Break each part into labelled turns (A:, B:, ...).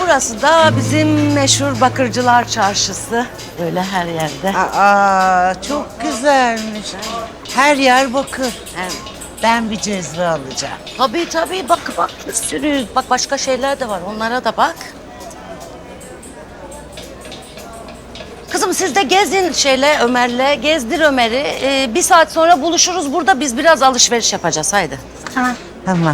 A: Burası da bizim meşhur Bakırcılar Çarşısı. Böyle her yerde.
B: Aa, çok güzelmiş. Her yer bakır.
A: Evet.
B: Ben bir cezve alacağım.
A: Tabii bak bir sürü. Bak başka şeyler de var, onlara da bak. Kızım siz de gezin Ömer'le, gezdir Ömer'i. Bir saat sonra buluşuruz burada, biz biraz alışveriş yapacağız, haydi.
C: Tamam.
B: Tamam.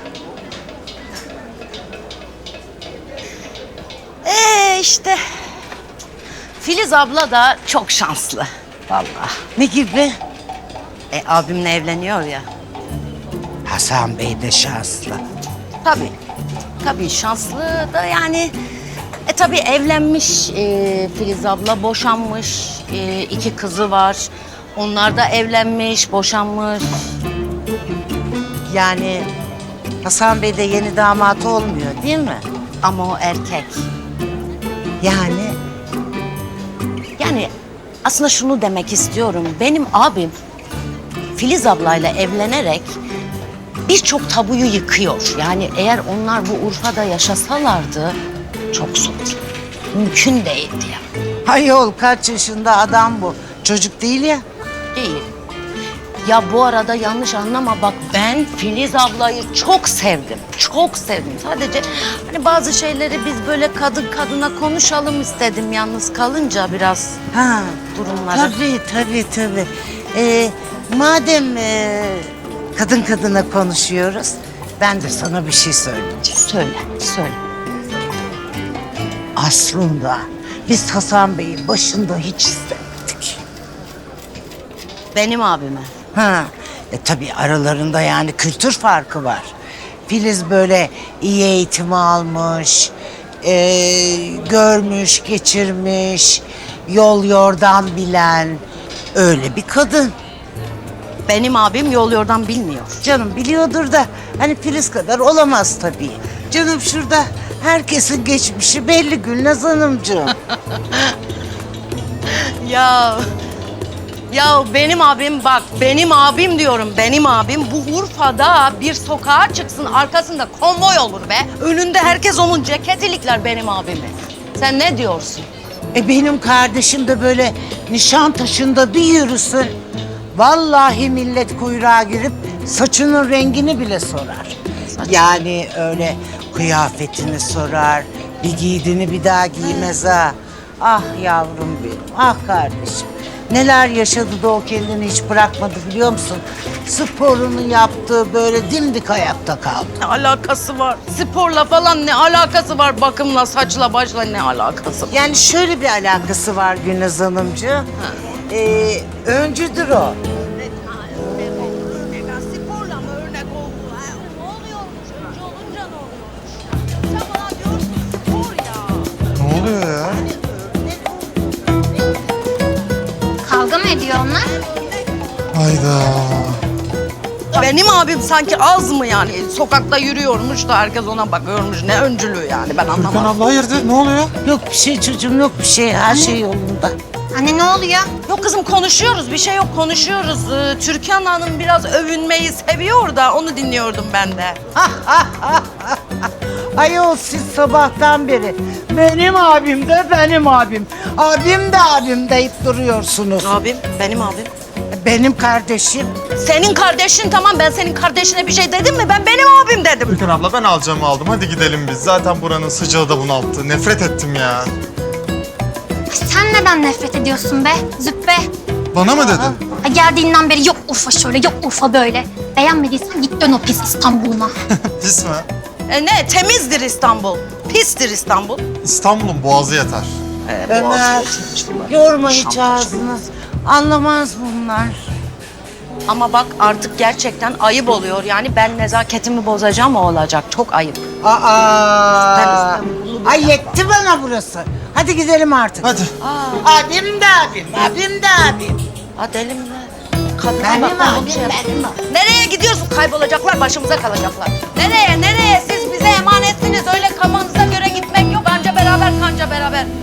A: İşte Filiz abla da çok şanslı vallahi.
B: Ne gibi?
A: Abimle evleniyor ya.
B: Hasan Bey de şanslı.
A: Tabii şanslı da yani. Tabii evlenmiş Filiz abla, boşanmış, 2 kızı var. Onlar da evlenmiş, boşanmış.
B: Yani Hasan Bey de yeni damat olmuyor değil mi?
A: Ama o erkek. Yani aslında şunu demek istiyorum. Benim abim Filiz ablayla evlenerek birçok tabuyu yıkıyor. Yani eğer onlar bu Urfa'da yaşasalardı çok zor. Mümkün değildi ya.
B: Ayol kaç yaşında adam bu. Çocuk değil ya.
A: Değil. Ya bu arada yanlış anlama bak, ben Filiz ablayı çok sevdim. Çok sevdim. Sadece hani bazı şeyleri biz böyle kadın kadına konuşalım istedim yalnız kalınca biraz
B: Ha,
A: durumları.
B: tabii. Madem kadın kadına konuşuyoruz, ben de sana bir şey söyleyeceğim.
A: Söyle.
B: Aslında biz Hasan Bey'i başında hiç istemedik.
A: Benim abime.
B: Tabii aralarında yani kültür farkı var. Filiz böyle iyi eğitimi almış, görmüş, geçirmiş, yol yordan bilen öyle bir kadın.
A: Benim abim yol yordan bilmiyor.
B: Canım biliyordur da hani Filiz kadar olamaz tabii. Canım şurada herkesin geçmişi belli Gülnaz Hanımcığım.
A: Ya benim abim bak, benim abim diyorum, benim abim bu Urfa'da bir sokağa çıksın arkasında konvoy olur be. Önünde herkes onun ceketilikler benim abimi. Sen ne diyorsun?
B: Benim kardeşim de böyle Nişantaşı'nda bir yürüsün. Vallahi millet kuyruğa girip saçının rengini bile sorar. Yani öyle kıyafetini sorar, bir giydiğini bir daha giymez ha. Ah yavrum benim, ah kardeşim. Neler yaşadı da o kendini hiç bırakmadı biliyor musun? Sporunu yaptı, böyle dimdik ayakta kaldı.
A: Ne alakası var? Sporla falan ne alakası var? Bakımla, saçla, başla ne alakası var?
B: Yani şöyle bir alakası var Gülnaz Hanımcığım. Öncüdür o.
A: Sporla mı örnek oldu? Ne oluyormuş? Önce olunca ne oluyormuş? Sen bana diyorsun spor ya.
D: Ne oluyor ya?
C: Kavga mı ediyor onlar?
D: Hayda.
A: Benim abim sanki az mı yani? Sokakta yürüyormuş da herkes ona bakıyormuş. Ne öncülüğü yani, ben
D: Türkan
A: anlamadım.
D: abla hayırdır? Ne oluyor?
B: Yok bir şey çocuğum, yok bir şey. Her şey yolunda.
C: Anne ne oluyor?
A: Yok kızım, konuşuyoruz, bir şey yok, konuşuyoruz. Türkan Hanım biraz övünmeyi seviyor da onu dinliyordum ben de.
B: Ayol siz sabahtan beri benim abim de benim abim. Abim de abim deyip duruyorsunuz.
A: Abim, benim abim.
B: Benim kardeşim.
A: Senin kardeşin, tamam, ben senin kardeşine bir şey dedim mi? Ben benim abim dedim.
D: Türkan abla ben alacağımı aldım. Hadi gidelim biz. Zaten buranın sıcağı da bunalttı. Nefret ettim ya.
C: Sen neden nefret ediyorsun be züppe?
D: Bana mı dedin?
C: Geldiğinden beri yok Urfa şöyle yok Urfa böyle. Beğenmediysen git dön o pis İstanbul'una.
D: Pis mi?
A: Ne? Temizdir İstanbul. Pistir İstanbul.
D: İstanbul'un boğazı yeter.
B: Ömer, yorma hiç ağzını. Anlamaz bunlar.
A: Ama bak artık gerçekten ayıp oluyor. Yani ben nezaketimi bozacağım, o olacak. Çok ayıp.
B: Ay yetti bana burası. Hadi gidelim artık.
D: Hadi.
B: Abim de abim, abim de abim.
A: Ha deli mi? Kadına
B: Benim
A: bak, ben
B: abim,
A: bunu şey yapayım.
B: benim abim.
A: Nereye gidiyorsun? Kaybolacaklar, başımıza kalacaklar. Nereye? Siz bize emanetsiniz. Öyle kafanıza göre gitmek yok. Anca beraber, kanca beraber.